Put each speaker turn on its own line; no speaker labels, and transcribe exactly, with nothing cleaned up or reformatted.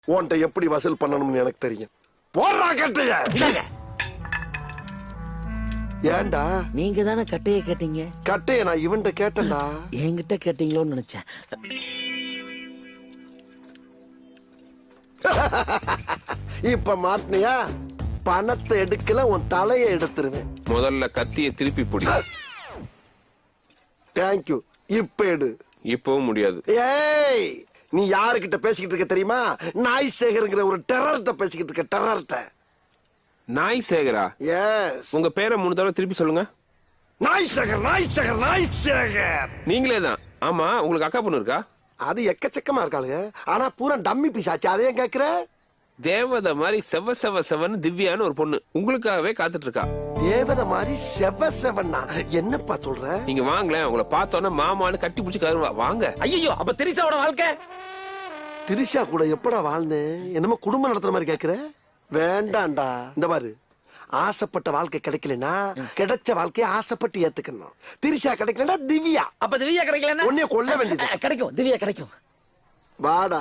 உன்கிட்ட எப்படி வசூல் பண்ணணும்னு எனக்கு தெரியும். போடுறா கட்டைய. ஏன்டா
நீங்க தானே கட்டைய கேட்டீங்க?
கட்டைய நான் இவன்ட்ட கேட்டேன்டா.
என்கிட்ட கேட்டீங்களோன்னு நினைச்சேன்.
இப்ப மாட்டினியா? பணத்தை எடுக்கல, உன் தலையை எடுத்துருவேன்.
முதல்ல கத்திய திருப்பி பிடி.
தேங்க்யூ. இப்ப எடு.
இப்பவும் முடியாது.
ஏய், நீ யாருக்கிட்ட பேசிக்கிட்டு இருக்க தெரியுமா? நாய் சேகர்ங்கிற ஒரு டெரர்ட்ட பேசிக்கிட்டு இருக்க. டெரர்ட்ட.
நாய் சேகரா?
எஸ்.
உங்க பேரை மூணு தடவை திருப்பி சொல்லுங்க.
நாய் சேகர், நாய் சேகர், நாய் சேகர்.
நீங்களே தான். ஆமா, உங்களுக்கு அக்கா பொண்ணு இருக்கா?
அது எக்கச்சக்கமா இருக்காளுங்க. ஆனா பூரா டம்மி பீஸ் ஆச்சு. அதையும் கேக்குற?
தேவதை மாதிரி செவ செவ செவன் திவ்யான்னு ஒரு பொண்ணு உங்களுக்காகவே காத்துட்டு இருக்கா.
தேவதை மாதிரி செவ செவன்னா என்னப்பா சொல்ற?
நீங்க வாங்களேன், உங்களை பார்த்தோன்னா மாமான்னு கட்டி பிடிச்சி கருவா. வாங்க.
ஐயோ, அப்ப திரிசாவோட வாழ்க்கை?
திரிஷா கூட எப்படா வாழ்ந்தேன்? என்னமோ குடும்பம் நடத்துற மாதிரி கேக்குற? வேண்டாண்டா. இந்த பாரு, ஆசைப்பட்ட வாழ்க்கை கிடைக்கலனா கிடைச்ச வாழ்க்கையை ஆசைப்பட்டு ஏத்துக்கணும். திரிஷா கிடைக்கலனா திவ்யா.
அப்ப திவ்யா கிடைக்கலன்னா
உன்னைய கொல்ல வேண்டியது.
கிடைக்கும். திவ்யா கிடைக்கும்.
வாடா.